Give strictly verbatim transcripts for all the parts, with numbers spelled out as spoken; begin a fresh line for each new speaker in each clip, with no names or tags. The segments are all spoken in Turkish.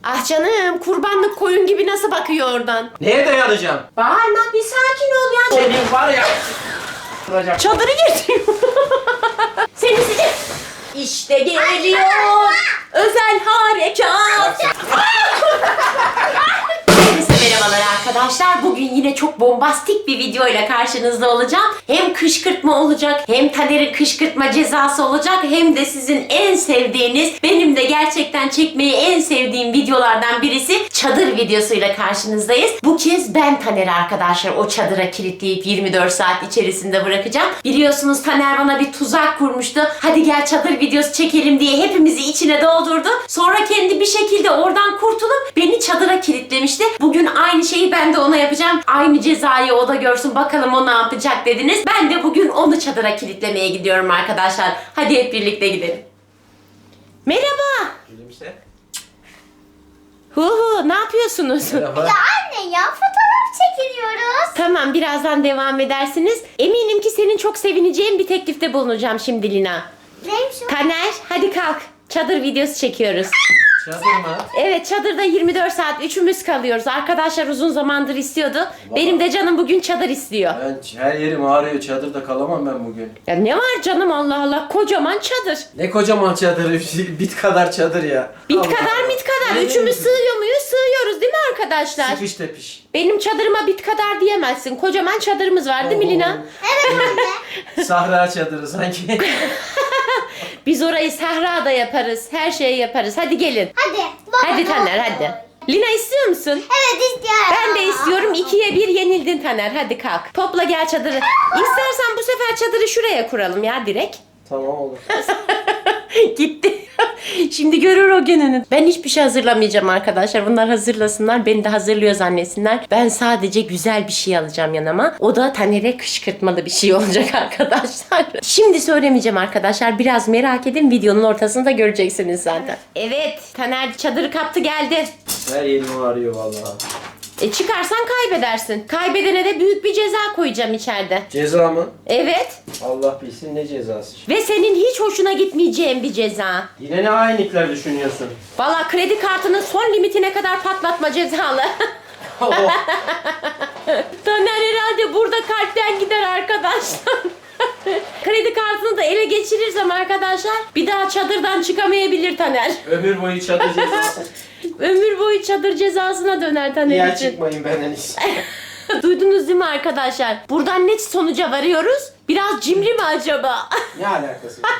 Ah canım, kurbanlık koyun gibi nasıl bakıyor oradan?
Neye dayanacağım?
Bağırma, bir sakin ol ya.
Senin var ya.
Çadırı getiriyor. Seni size... İşte geliyor özel harekat. Herkese merhabalar arkadaşlar. Bugün yine çok bombastik bir video ile karşınızda olacağım. Hem kışkırtma olacak, hem Taner'in kışkırtma cezası olacak, hem de sizin en sevdiğiniz, benim de gerçekten çekmeyi en sevdiğim videolardan birisi çadır videosuyla karşınızdayız. Bu kez ben Taner'i arkadaşlar o çadıra kilitleyip yirmi dört saat içerisinde bırakacağım. Biliyorsunuz Taner bana bir tuzak kurmuştu. Hadi gel çadır videosu çekelim diye hepimizi içine doldurdu. Sonra kendi bir şekilde oradan kurtulup beni çadıra kilitlemişti. Bugün aynı şeyi ben de ona yapacağım. Aynı cezayı o da görsün, bakalım o ne yapacak dediniz. Ben de bugün onu çadıra kilitlemeye gidiyorum arkadaşlar. Hadi hep birlikte gidelim. Merhaba.
Gülümse.
Hu hu, ne yapıyorsunuz?
Merhaba.
Ya anne ya, fotoğraf çekiliyoruz.
Tamam, birazdan devam edersiniz. Eminim ki senin çok sevineceğin bir teklifte bulunacağım şimdi Lina.
Neymiş o?
Taner, hadi kalk. Çadır videosu çekiyoruz.
Çadır mı?
Evet, çadırda yirmi dört saat üçümüz kalıyoruz. Arkadaşlar uzun zamandır istiyordu. Benim de canım bugün çadır istiyor.
Ben her yerim ağrıyor. Çadırda kalamam ben bugün.
Ya ne var canım, Allah Allah, kocaman çadır.
Ne kocaman çadır. Bit kadar çadır ya.
Bit
Allah
kadar
Allah.
mit kadar.
Ne
Üçümüz
diyorsun?
sığıyor muyuz? Sığıyoruz değil mi arkadaşlar?
Sıkış tepiş.
Benim çadırıma bit kadar diyemezsin. Kocaman çadırımız var değil mi Lina?
Evet anne.
Sahra çadırı sanki.
Biz orayı sahrada yaparız. Her şeyi yaparız. Hadi gelin.
Hadi. Baba,
Hadi
ne
Taner
oldu?
hadi. Lina istiyor musun?
Evet istiyorum.
Ben de istiyorum. İkiye bir yenildin Taner. Hadi kalk. Topla gel çadırı. İstersen bu sefer çadırı şuraya kuralım ya direkt.
Tamam olur.
Gitti. Şimdi görür o gününü. Ben hiçbir şey hazırlamayacağım arkadaşlar. Bunlar hazırlasınlar. Beni de hazırlıyor zannetsinler. Ben sadece güzel bir şey alacağım yanıma. O da Taner'e kışkırtmalı bir şey olacak arkadaşlar. Şimdi söylemeyeceğim arkadaşlar. Biraz merak edin. Videonun ortasında göreceksiniz zaten. Evet. Taner çadırı kaptı geldi.
Her yerim ağrıyor vallahi.
E çıkarsan kaybedersin. Kaybedene de büyük bir ceza koyacağım içeride.
Ceza mı?
Evet.
Allah bilsin ne cezası.
Ve senin hiç hoşuna gitmeyeceğin bir ceza.
Yine ne hainlikler düşünüyorsun?
Valla kredi kartının son limitine kadar patlatma cezalı.
Oh.
Taner herhalde burada kalpten gider arkadaşlar. Kredi kartını da ele geçirirsem arkadaşlar bir daha çadırdan çıkamayabilir Taner.
Ömür boyu çadır cezası.
Ömür boyu çadır cezasına döner Taner
Niye
için.
çıkmayın benden iyisi.
Duydunuz değil mi arkadaşlar? Buradan ne sonuca varıyoruz? Biraz cimri mi acaba?
Ne alakası var?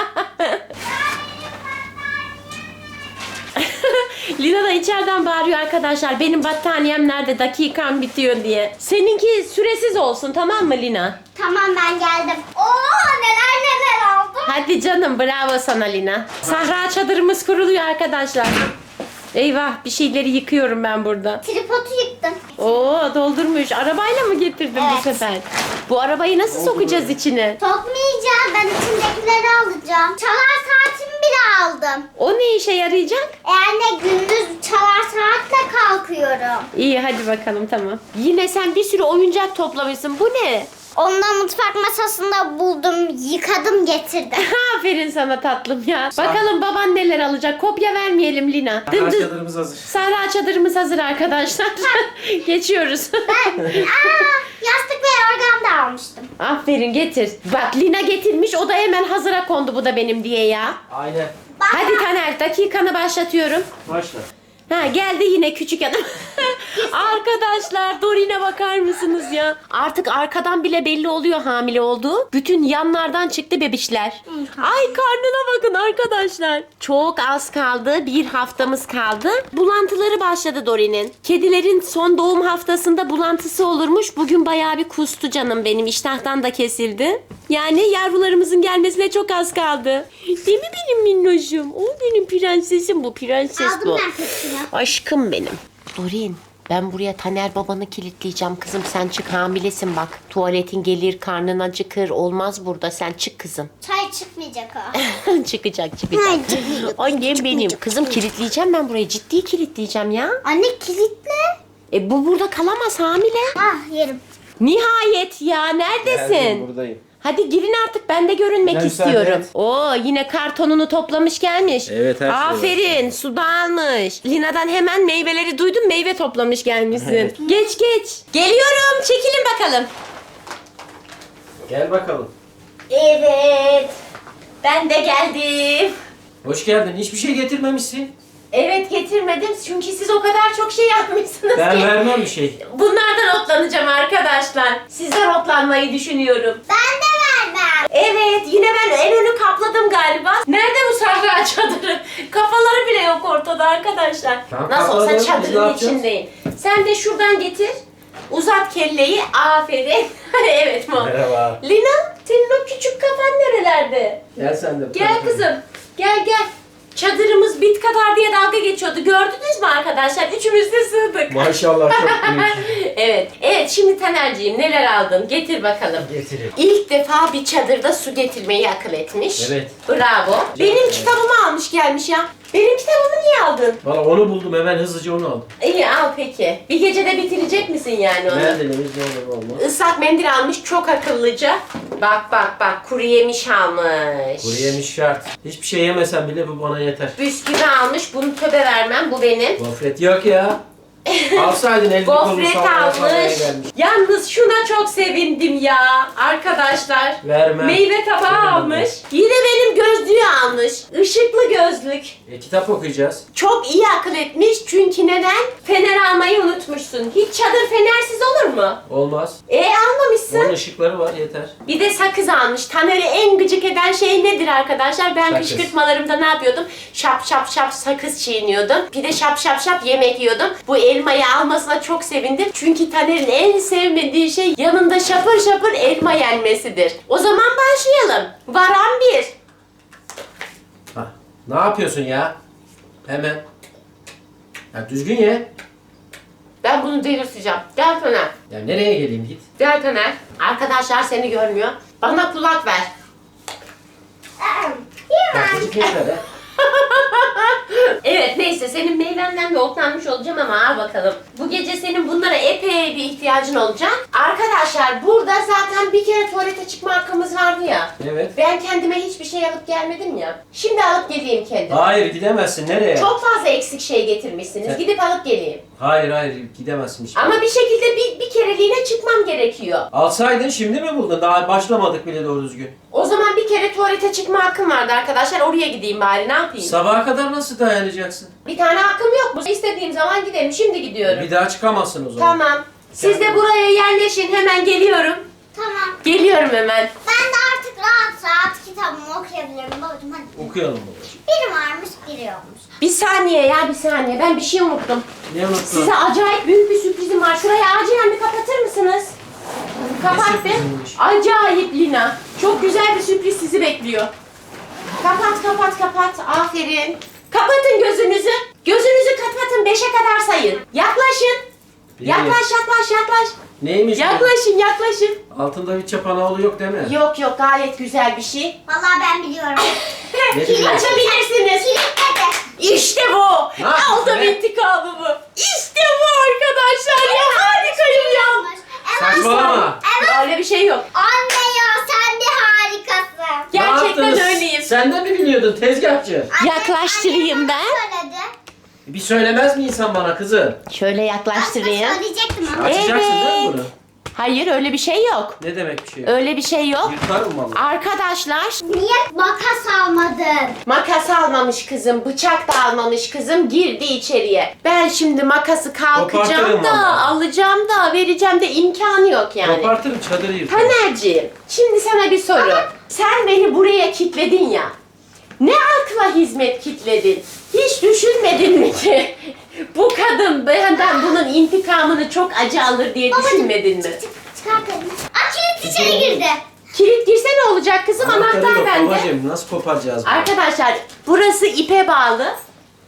Lina da içeriden bağırıyor arkadaşlar. Benim battaniyem nerede? Dakikam bitiyor diye. Seninki süresiz olsun, tamam mı Lina?
Tamam ben geldim. Oo neler neler aldım.
Hadi canım, bravo sana Lina. Sahra çadırımız kuruluyor arkadaşlar. Eyvah, bir şeyleri yıkıyorum ben burada.
Tripodu yıktım.
Oo, doldurmuş. Arabayla mı getirdin bu
Evet.
sefer? Bu arabayı nasıl sokacağız içine?
Sokmayacağım, ben içindekileri alacağım. Çalar saatimi bile aldım.
O ne işe yarayacak?
Eğer ne gündüz çalar saatle kalkıyorum.
İyi, hadi bakalım, tamam. Yine sen bir sürü oyuncak toplamışsın. Bu ne?
Onu da mutfak masasında buldum, yıkadım, getirdim.
Aferin sana tatlım ya. Bakalım baban neler alacak. Kopya vermeyelim Lina.
Sahra
Dımdız.
çadırımız hazır.
Sahra çadırımız hazır arkadaşlar. Geçiyoruz.
Ben, aa, yastık ve yorgan da almıştım.
Aferin, getir. Bak Lina getirmiş, o da hemen hazıra kondu bu da benim diye ya.
Aynen.
Bak,
Hadi Taner, dakikanı başlatıyorum.
Başla.
Ha, geldi yine küçük adam. Arkadaşlar Dorin'e bakar mısınız ya? Artık arkadan bile belli oluyor hamile olduğu. Bütün yanlardan çıktı bebişler. Ay, karnına bakın arkadaşlar. Çok az kaldı. Bir haftamız kaldı. Bulantıları başladı Dorin'in. Kedilerin son doğum haftasında bulantısı olurmuş. Bugün bayağı bir kustu canım benim. İştahtan da kesildi. Yani yavrularımızın gelmesine çok az kaldı. Değil mi benim minnoşum? O benim prensesim, bu prenses bu.
aldım ben hepsini.
Aşkım benim. Dorin, ben buraya Taner babanı kilitleyeceğim kızım. Sen çık, hamilesin bak. Tuvaletin gelir, karnın acıkır. Olmaz burada. Sen çık kızım.
Çay çıkmayacak o.
çıkacak çıkacak.
Hayır, çıkmayacak.
Annem benim. Kızım kilitleyeceğim ben burayı. Ciddi kilitleyeceğim ya.
Anne kilitle.
E bu burada kalamaz, hamile.
Ah yerim.
Nihayet ya, neredesin?
Geldim, buradayım.
Hadi girin artık, ben de görünmek
Ben
istiyorum.
müsaade et.
Oo, yine kartonunu toplamış gelmiş.
Evet, her şey var.
Aferin, su da almış. Lina'dan hemen meyveleri duydum, meyve toplamış gelmişsin.
Evet.
Geç geç. Geliyorum, çekilin bakalım.
Gel bakalım.
Evet, ben de geldim.
Hoş geldin. Hiçbir şey getirmemişsin.
Evet, getirmedim çünkü siz o kadar çok şey yapmışsınız
Ben
ki.
vermem bir şey.
Bunlardan otlanacağım arkadaşlar. Sizden otlanmayı düşünüyorum.
Ben de vermem.
Evet, yine ben en önü kapladım galiba. Nerede bu Sahra çadırı? Kafaları bile yok ortada arkadaşlar.
Tamam,
Nasıl olsa
kapladım. Biz ne
çadırın
yapacağız?
içindeyim. Sen de şuradan getir. Uzat kelleyi. Aferin. Evet Mo.
Merhaba.
Lina, senin o küçük kafan nerelerde?
Gel sen de.
Gel kızım. Gel gel. Çadırımız bit kadar diye dalga geçiyordu. Gördünüz mü arkadaşlar? Üçümüz de sığdık.
Maşallah çok büyük.
Evet. Evet, şimdi Taner'ciğim neler aldın? Getir bakalım.
Getireyim.
İlk defa bir çadırda su getirmeyi akıl etmiş.
Evet.
Bravo. Benim
evet.
kitabımı almış gelmiş ya. Benim kitabımı niye aldın?
Valla onu buldum, hemen hızlıca onu aldım.
İyi, al peki. Bir gecede bitirecek misin yani onu?
Neredenimiz ne olur olmaz.
Islak mendil almış, çok akıllıca. Bak bak bak, kuru yemiş almış.
Kuru yemiş şart. Hiçbir şey yemesem bile bu bana yeter.
Bisküvi almış, bunu töbe vermem, bu benim.
Gofret yok ya. Alsaydın elini kolunu
Gofret
sallaya sallaya
almış.
gelmiş.
Yalnız şuna çok sevindim ya arkadaşlar.
Vermem.
Meyve tabağı
Vermem.
almış. Yine benim gözlüğü almış. Işıklı gözlük.
E, kitap okuyacağız.
Çok iyi akıl etmiş çünkü neden? Fener almayı unutmuşsun. Hiç çadır fenersiz olur mu?
Olmaz.
E almamışsın.
Onun ışıkları var, yeter.
Bir de sakız almış. Taner'i en gıcık eden şey nedir arkadaşlar? Ben
Sakız.
kışkırtmalarımda ne yapıyordum? Şap şap şap sakız çiğniyordum. Bir de şap şap şap yemek yiyordum. Bu elmayı almasına çok sevindim. Çünkü Taner'in en sevmediği şey yanında şapır şapır elma yenmesidir. O zaman başlayalım. Varan bir.
Hah. Ne yapıyorsun ya? Hemen. Ya düzgün ye.
Ben bunu delirteceğim. Gel Taner.
Ya nereye geleyim, git.
Gel Taner. Arkadaşlar seni görmüyor. Bana kulak ver.
Bak çocuk yeter ha.
Evet, neyse senin meyvenden de otlanmış olacağım ama al bakalım. Bu gece senin bunlara epey bir ihtiyacın olacak. Arkadaşlar burada zaten bir kere tuvalete çıkma hakkımız vardı ya.
Evet.
Ben kendime hiçbir şey alıp gelmedim ya. Şimdi alıp geleyim kendim.
Hayır, gidemezsin. Nereye?
Çok fazla eksik şey getirmişsiniz.
Sen-
Gidip alıp geleyim.
Hayır hayır, gidemezsin hiç.
Ama bir şekilde bir, bir kereliğine çıkmam gerekiyor.
Alsaydın şimdi mi buldun? Daha başlamadık bile doğru düzgün.
O zaman bir kere tuvalete çıkma hakkım vardı arkadaşlar. Oraya gideyim bari, ne yapayım?
Sabaha kadar nasıl dayanacaksın?
Bir tane hakkım yok mu? İstediğim zaman giderim. Şimdi gidiyorum.
Bir daha çıkamazsın o zaman.
Tamam. Siz de buraya yerleşin. Hemen geliyorum.
Tamam.
Geliyorum hemen.
Ben de artık rahat rahat kitabımı okuyabilirim babacığım hadi.
Okuyalım babacığım.
Biri varmış biri yokmuş.
Bir saniye ya, bir saniye. Ben bir şey unuttum.
Ne unuttun?
Size acayip büyük bir sürprizim var. Şurayı acilen bir kapatır mısınız? Kapat be.
sürpriziymiş?
Acayip Lina. Çok güzel bir sürpriz sizi bekliyor. Kapat, kapat, kapat. Aferin. Kapatın gözünüzü. Gözünüzü kapatın. Beşe kadar sayın. Yaklaşın.
Bir.
Yaklaş, yaklaş, yaklaş.
Neymiş bu?
Yaklaşın, yaklaşın.
Altında bir çapanoğlu yok değil mi?
Yok yok, gayet güzel bir şey.
Vallahi ben biliyorum.
Ne biliyorsun?
Açabilirsiniz.
Kilitledi.
İşte bu.
Ne yaptın
Aldım
be?
intikamımı. İşte bu arkadaşlar ya. Harikayım ya.
Evet.
Saçmalama.
Öyle bir şey yok.
Anne ya sen bir harikasın.
Ne
Gerçekten
yaptınız?
öyleyim.
Sen de mi biliyordun tezgahçı?
Anne-
Yaklaştırayım
anne
ben.
bana söyledi.
Bir söylemez mi insan bana kızım?
Şöyle
Aslında
yaklaştırayım.
söyleyecektim ama.
Açacaksın değil mi
Evet.
bunu?
Hayır, öyle bir şey yok.
Ne demek bir şey?
Öyle bir şey yok.
Yırtarım vallahi.
Arkadaşlar,
Niye makas almadın?
makas almamış kızım, bıçak da almamış kızım, girdi içeriye. Ben şimdi makası kalkacağım
Kopartırım
da,
vallahi.
alacağım da, vereceğim de imkanı yok yani.
Kopartırım, çadırı yırtarım.
Taner'ciğim, şimdi sana bir soru. Sen beni buraya kilitledin ya. Ne akla hizmet kilitledin? Hiç düşünmedin mi ki? Bu kadın benden bunun intikamını çok acı alır diye düşünmedin mi?
Çık çık çıkar kadını. Aa kilit içeri girdi.
Kilit girse ne olacak kızım?
Anahtarı
Anahtar
yok
bende.
babacığım, nasıl koparacağız bunu?
Arkadaşlar, burası ipe bağlı.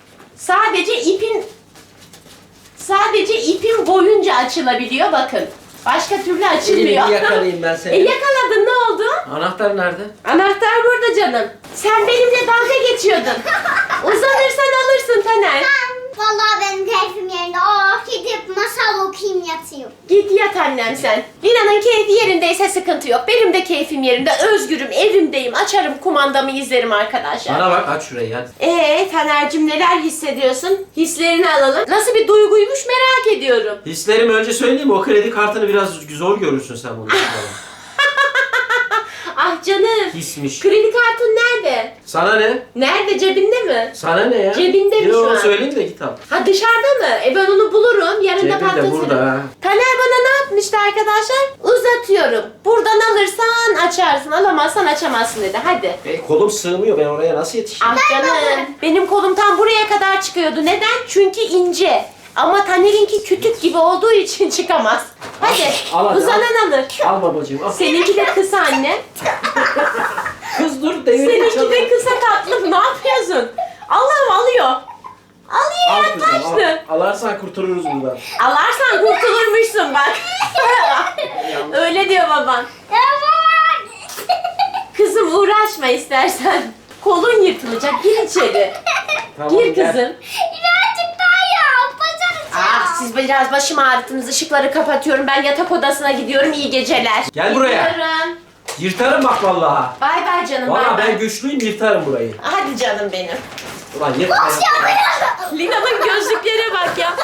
Sadece ipin sadece ipin boyunca açılabiliyor, bakın. Başka türlü açılmıyor.
Elini yakalayayım ben seni.
E yakaladın, ne oldu?
Anahtar nerede?
Anahtar burada canım. Sen benimle dalga geçiyordun. Uzanırsan alırsın Taner.
Ben vallahi benim keyfim yerinde. Oh gidip masal okuyayım yatayım. yatayım.
Git yat annem sen. Lina'nın keyfi yerindeyse sıkıntı yok. Benim de keyfim yerinde. Özgürüm, evimdeyim. Açarım kumandamı izlerim arkadaşlar.
Bana bak aç şurayı hadi.
Eee Taner'cim neler hissediyorsun? Hislerini alalım. Nasıl bir duyguymuş merak ediyorum.
Hislerimi önce söyleyeyim mi? O kredi kartını biraz zor görürsün sen bunu.
Ah canım.
Hismiş.
Kredi kartın nerede?
Sana ne?
Nerede, cebinde mi?
Sana ne ya?
Cebinde mi
Yine
şu
onu
an?
söyleyeyim de git al.
Ha dışarıda mı? E ben onu bulurum. Yarın da
Cebinde,
patlatırım.
burada ha.
Taner bana ne yapmıştı arkadaşlar? Uzatıyorum. Buradan alırsan açarsın, alamazsan açamazsın dedi. Hadi.
E, kolum sığmıyor, ben oraya nasıl yetişeyim?
Ah canım. Benim kolum tam buraya kadar çıkıyordu. Neden? Çünkü ince. Ama Taner'inki kütük gibi olduğu için çıkamaz. Hadi.
Al hadi,
Uzanan alır.
Al babacığım al.
Seninki de kısa anne.
Kız dur devir
Seninki de kısa tatlım. Ne yapıyorsun? Allah'ım alıyor. Alıyor
Al kızım
yaklaştı.
al. Alarsan kurtarırız buradan.
Alarsan kurtulurmuşsun bak. Öyle diyor baban. Kızım uğraşma istersen. Kolun yırtılacak. Gir içeri.
Tamam,
Gir
gel.
kızım.
Birazcık daha yap. Başaracağım.
Ah siz biraz başımı ağrıttınız. Işıkları kapatıyorum. Ben yatak odasına gidiyorum. İyi geceler.
Gel buraya.
Gidiyorum.
Yırtarım bak vallahi.
Bay bay canım.
Valla
bay bay.
ben güçlüyüm, yırtarım burayı.
Hadi canım benim.
Ulan yırtma.
Lina'nın gözlüklere bak ya.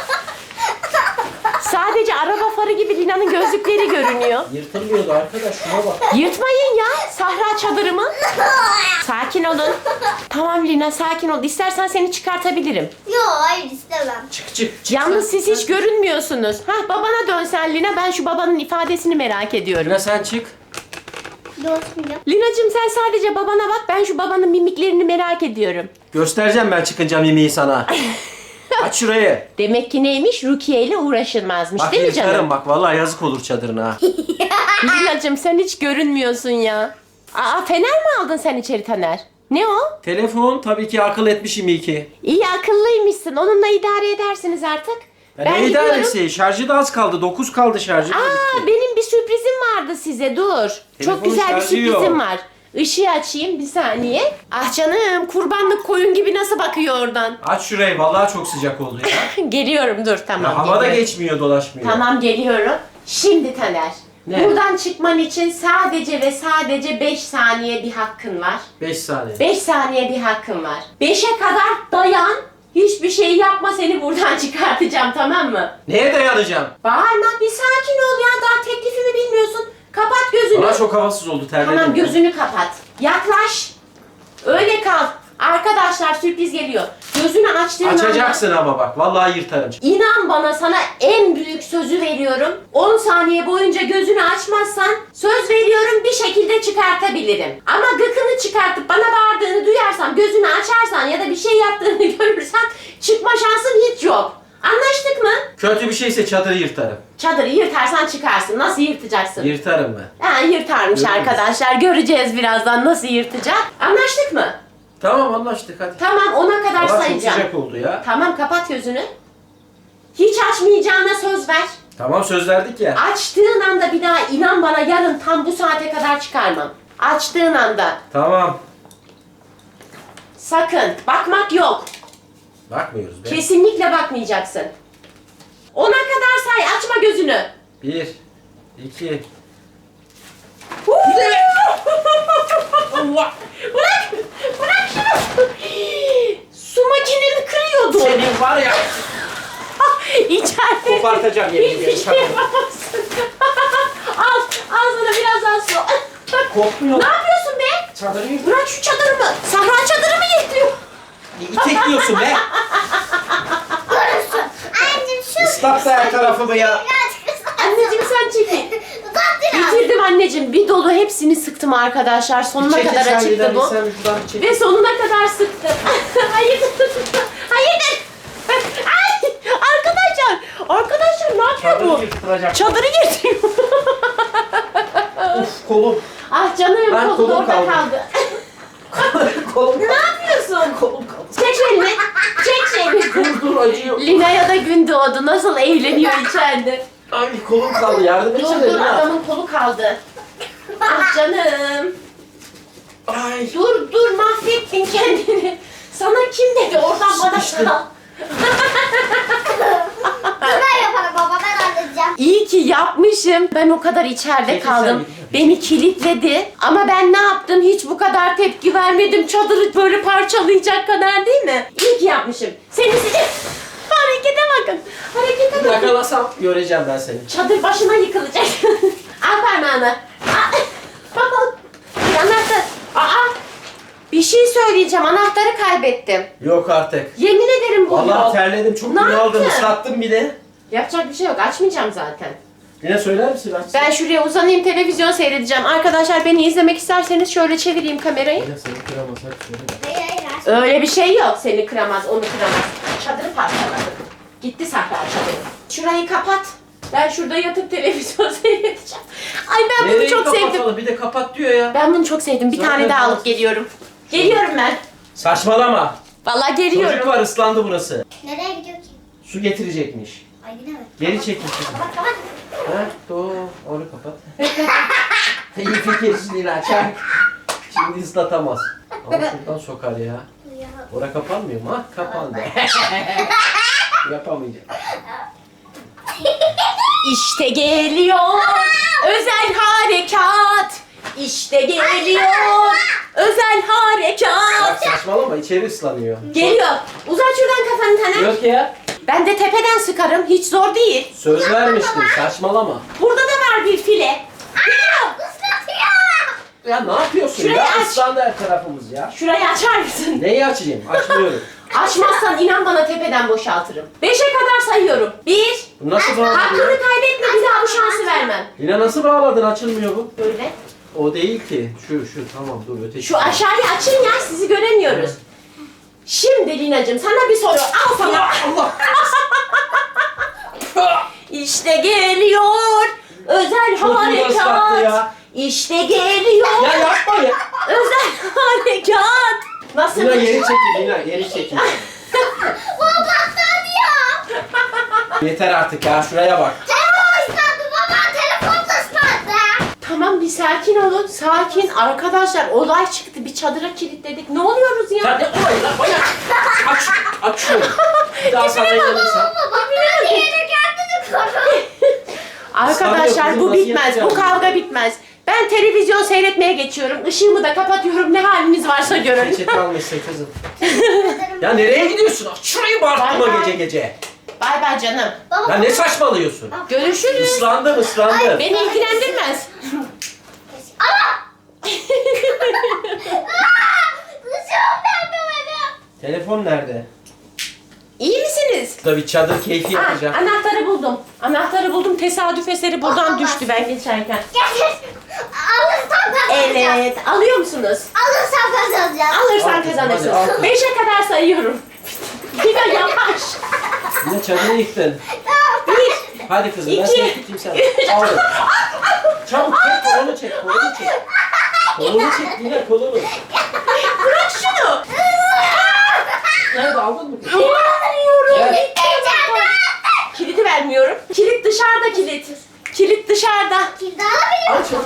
Sadece araba farı gibi Lina'nın gözlükleri görünüyor.
Yırtılmıyordu arkadaş, şuna bak.
Yırtmayın ya Sahra çadırımı. Sakin olun. Tamam Lina sakin ol. İstersen seni çıkartabilirim.
Yok hayır istemem.
Çık çık çık.
Yalnız
sen.
siz hiç görünmüyorsunuz. Hah babana dönsen Lina, ben şu babanın ifadesini merak ediyorum.
Lina sen çık.
Dostum ya.
Lina'cığım sen sadece babana bak, ben şu babanın mimiklerini merak ediyorum.
Göstereceğim ben çıkınca mimiği sana. Aç şurayı.
Demek ki neymiş? Rukiye ile uğraşılmazmış
Bak
değil mi
yırtarım
canım?
bak, vallahi yazık olur çadırına.
Lina'cığım sen hiç görünmüyorsun ya. Aa fener mi aldın sen içeri Taner? Ne o?
Telefon tabii ki akıl etmişim iyi ki.
İyi akıllıymışsın. Onunla idare edersiniz artık.
Ya
ben
ne
gidiyorum.
idaresi? Şarjı da az kaldı. dokuz kaldı şarjı. da
Aa
bitti.
benim bir sürprizim vardı size. Dur. Çok
Telefonun
güzel bir
şarjı
sürprizim
yok.
var. Işığı açayım bir saniye. Ah canım, kurbanlık koyun gibi nasıl bakıyor oradan.
Aç şurayı, vallahi çok sıcak oldu ya.
Geliyorum dur tamam.
Ya hava da
geliyorum.
geçmiyor, dolaşmıyor.
Tamam geliyorum. Şimdi Taner.
Ne?
Buradan çıkman için sadece ve sadece beş saniye bir hakkın var.
beş saniye.
beş saniye bir hakkın var. beşe kadar dayan. Hiçbir şey yapma, seni buradan çıkartacağım tamam mı?
Neye dayanacağım?
Bağırma, bir sakin ol ya, daha teklifimi bilmiyorsun. Kapat gözünü.
Bana çok havasız oldu, terledim.
Tamam
ya.
gözünü kapat. Yaklaş. Öyle kal. Arkadaşlar sürpriz geliyor. Gözünü açtığın anda...
Açacaksın ama bak, vallahi yırtarım.
İnan bana, sana en büyük sözü veriyorum. on saniye boyunca gözünü açmazsan söz veriyorum bir şekilde çıkartabilirim. Ama gıkını çıkartıp bana bağırdığını duyarsam, gözünü açarsan ya da bir şey yaptığını görürsem çıkma şansın hiç yok. Anlaştık mı?
Kötü bir şeyse çadırı yırtarım.
Çadırı yırtarsan çıkarsın. Nasıl yırtacaksın?
Yırtarım ben.
Ha, yırtarmış
Görürüz.
arkadaşlar. Göreceğiz birazdan nasıl yırtacak. Anlaştık mı?
Tamam anlaştık hadi.
Tamam, ona kadar
Hava çok
sayacağım.
sıcak oldu ya.
Tamam, kapat gözünü. Hiç açmayacağına söz ver.
Tamam söz verdik ya.
Açtığın anda bir daha inan bana yarın tam bu saate kadar çıkarmam. Açtığın anda.
Tamam.
Sakın. Bakmak yok.
Bakmıyoruz be.
Kesinlikle bakmayacaksın. Ona kadar say. Açma gözünü.
Bir, iki.
Allah. Bırak. Bırak şunu. Su makineni kırıyordu.
Senin var ya.
İçeride.
Kopartacağım yemin ediyorum.
Hiçbir şey yapamazsın. Al. Al sana biraz daha su.
Kokmuyor.
Ne yapıyorsun be?
Çadırı yırt.
Bırak şu çadırımı. Sahra çadırımı yırtıyor.
İtekliyorsun be.
Görürsün. Anneciğim şu.
Islat da her tarafımı ya.
Birazcık ıslat.
Anneciğim sen çekil.
Islat biraz.
Bitirdim anneciğim. Bir dolu hepsini sıktım arkadaşlar. Sonuna
Çekil
kadar
sen
açıktı
Lina,
bu.
Sen şuradan bir çekil.
Ve sonuna kadar sıktım. Hayırdır? Hayırdır? Ay! Arkadaşlar! Arkadaşlar ne yapıyor
Çadırı
bu?
yırtılacak.
Çadırı yırtıyor.
Of kolum.
Ah canım,
Ben
kolum
kolum
orada
kaldı.
kaldı.
kolum
Ne yapıyorsun?
Kolum kaldı.
Çek elini. Çek şeyini.
Dur dur acıyor.
Lina'ya da gün doğdu. Nasıl eğleniyor içeride.
Ay kolum kaldı, yardım
Dur
etsene
dur,
Lina.
adamın kolu kaldı. Ah canım.
Ay.
Dur dur, mahvettin kendini. Sana kim dedi oradan bana
Sıkıştım.
kal.
Dur ben yaparım baba, ben halledeceğim.
İyi yapmışım? Ben o kadar içeride
Peki,
kaldım.
sen-
Beni kilitledi. Ama ben ne yaptım? Hiç bu kadar tepki vermedim. Çadırı böyle parçalayacak kadar değil mi? İyi ki yapmışım. Seni sizi... Harekete bakın. Harekete bakın.
Yakalasam göreceğim ben seni.
Çadır başına yıkılacak. Al parmağını. Aa, baba. Bir anahtar. Aa. Bir şey söyleyeceğim. Anahtarı kaybettim.
Yok artık.
Yemin ederim bu
Vallahi
yok.
terledim, çok
Ne
bunaldım,
yaptın?
ıslattım bir de.
Yapacak bir şey yok. Açmayacağım zaten.
Yine söyler misin? Açsın.
Ben şuraya uzanayım, televizyon seyredeceğim. Arkadaşlar beni izlemek isterseniz şöyle çevireyim kamerayı.
Yine seni kıramasak söyle de.
Hayır hayır. aç.
Öyle bir şey yok. Seni kıramaz, onu kıramaz. Çadırı parçaladı. Gitti Sahra çadırı. Şurayı kapat. Ben şurada yatıp televizyon seyredeceğim. Ay ben bunu
Nereyi
çok sevdim.
kapatalım? Bir de kapat diyor ya.
Ben bunu çok sevdim. Bir
Zaten
tane daha alıp
ben-
geliyorum. Geliyorum ben.
Saçmalama.
Vallahi
Çocuk
geliyorum.
var, ıslandı burası.
Nereye gidiyor ki?
Su getirecekmiş.
Ay yine mi?
Geri çekil kızım.
Kapat kapat.
Ha, doğru. Onu kapat. İyi fikir Lina, çak. Şimdi ıslatamaz. Ama şuradan sokar ya.
Ya.
Ora kapanmıyor mu? Ha, kapandı. Yapamayacağım.
İşte geliyor. Özel harekat. İşte geliyor. Özel
Bak
harekat.
saçmalama, içeri ıslanıyor.
Geliyor. Uzat şuradan kafanı Taner.
Yok ya.
Ben de tepeden sıkarım. Hiç zor değil.
Söz vermiştim, saçmalama.
Burada da var bir file. Geliyor.
Islatıyor.
Ya ne yapıyorsun
Şurayı
ya?
aç.
Islandı her tarafımız ya.
Şurayı açar mısın?
Neyi açayım? Açmıyorum.
Açmazsan inan bana tepeden boşaltırım. Beşe kadar sayıyorum. Bir.
Bu nasıl bağladın
Hakkını
ya?
kaybetme, bir daha bu şansı vermem.
Yine nasıl bağladın? Açılmıyor bu.
Böyle.
O değil ki. Şu şu tamam dur öteki.
Şu aşağıyı açın ya, sizi göremiyoruz. Şimdi Lina'cığım sana bir soru. Al sana.
Allah.
İşte geliyor. Özel
Çocuğu ıslattı
harekat.
ya.
İşte geliyor.
Ya yapma ya.
Özel harekat. Nasıl?
Lina geri çekil Lina geri çekil.
Baba ıslatıyor.
Yeter artık ya şuraya bak.
Telefon ıslatdı baba. Telefon da ıslatdı.
Tamam bir sakin olun. Sakin. Arkadaşlar olay çıktı. Bir çadıra kilitledik. Ne oluyoruz ya?
Sen ne olayı lan bana. Aç aç şunu. Bir daha sana inanırsam.
Baba ben diğeri kendini koru.
Arkadaşlar
Sanıyor
bu
kızım,
bitmez.
nasıl
Bu
yapacağız?
kavga bitmez. Ben televizyon seyretmeye geçiyorum. Işığımı da kapatıyorum. Ne haliniz varsa görün.
Peçete almışsın kızım. Ya nereye gidiyorsun? Aç şurayı bağırtma
Bay bay.
gece gece.
Bay bay canım.
Baba.
Ya ne saçmalıyorsun?
Görüşürüz.
Islandım ıslandım.
Beni ilgilendirmez.
Kızım ben böyle.
Telefon nerede?
İyi misiniz?
Burada bir çadır keyfi
Ha,
yapacağım.
anahtarı buldum. Anahtarı buldum. Tesadüf eseri buradan düştü ben geçerken.
Getir. Alırsam kazanacağım.
Evet. Alıyor musunuz?
Alırsam kazanacağım.
Alırsan
Al kızım, hadi, al
kazanırsın.
kızım.
Beşe kadar sayıyorum. Bir de yavaş.
Yine çadırı yıktın.
Bir.
Hadi kızım ben
İki.
seni tutayım sen. Al. Çabuk çek kolunu çek kolunu çek. Kolunu çek yine kolunu.
Bırak şunu.
Nerede aldın mı?
İnanmıyorum.
Evet.
Kilidi vermiyorum. Kilit dışarıda kilit. Kilit dışarıda.
Kimde alabilirim?
Al çabuk.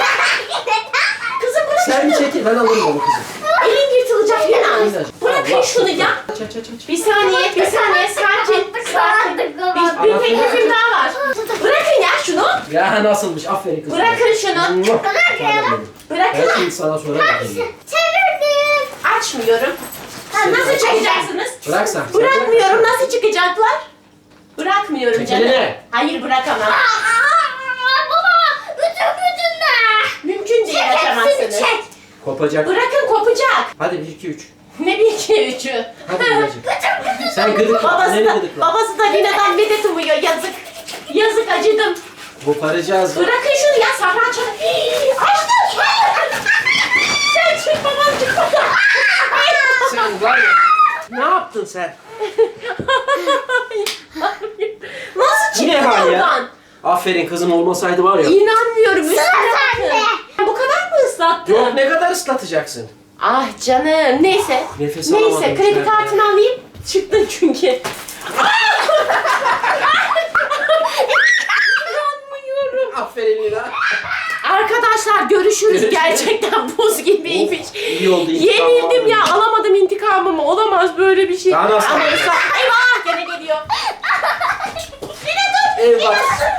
Kızım bırak
Sen bir
şunu.
çekil ben alırım onu kızım.
Elin yırtılacak Lina. Bırakın
Allah.
şunu ya.
Aç aç aç aç.
Bir saniye, bir saniye. Sakin, sakin. Bir, bir teklifim daha var. Bırakın ya şunu.
Ya nasılmış aferin kızım.
Bırakın şunu.
Muah.
Bırak ya.
Canım benim. Ben
Bırakın.
şimdi sana sonra bakayım.
Çevirdim.
Açmıyorum. Ha, nasıl çıkacaksınız?
Bırak sen.
Bırakmıyorum. Nasıl çıkacaklar? Bırakmıyorum
Çek
canım.
elini.
Hayır bırakamam.
Aa, baba. Bütün gücünle.
Mümkün değil
Çek hepsini
açamazsınız.
çek.
Kopacak.
Bırakın kopacak.
Hadi bir iki üç.
Ne bir iki üçü.
Hadi Lina'cığım. Sen gıdıkla.
Babası
Anneni
da,
gıdıkla.
babası da Lina'dan medet umuyor. Yazık. Yazık acıdım.
Koparacağız.
Bırakın şunu ya Sahra çabuk. Açtım. Sen çık babam çık babam.
Sen var ya. Ne yaptın sen?
Nasıl
Yine
çıktın
var ya.
oradan?
Aferin kızım olmasaydı var ya.
İnanmıyorum. Üstüne
sende.
bakın. Bu kadar mı ıslattın?
Yok ne kadar ıslatacaksın?
Ah canım. Neyse.
Nefes
Neyse
alamadım
kredi
içeride.
kartını alayım. Çıktın çünkü. İnanmıyorum.
Aferin Lina.
Arkadaşlar görüşürüz.
Görüşürüz.
Gerçekten buz gibiymiş.
Of, iyi oldu, intikam
Yenildim
aldım.
ya. Alamadım intikamımı. Olamaz böyle bir şey.
Daha nasıl?
Ama ısla- Eyvah gene geliyor. Yine dur.
Eyvah.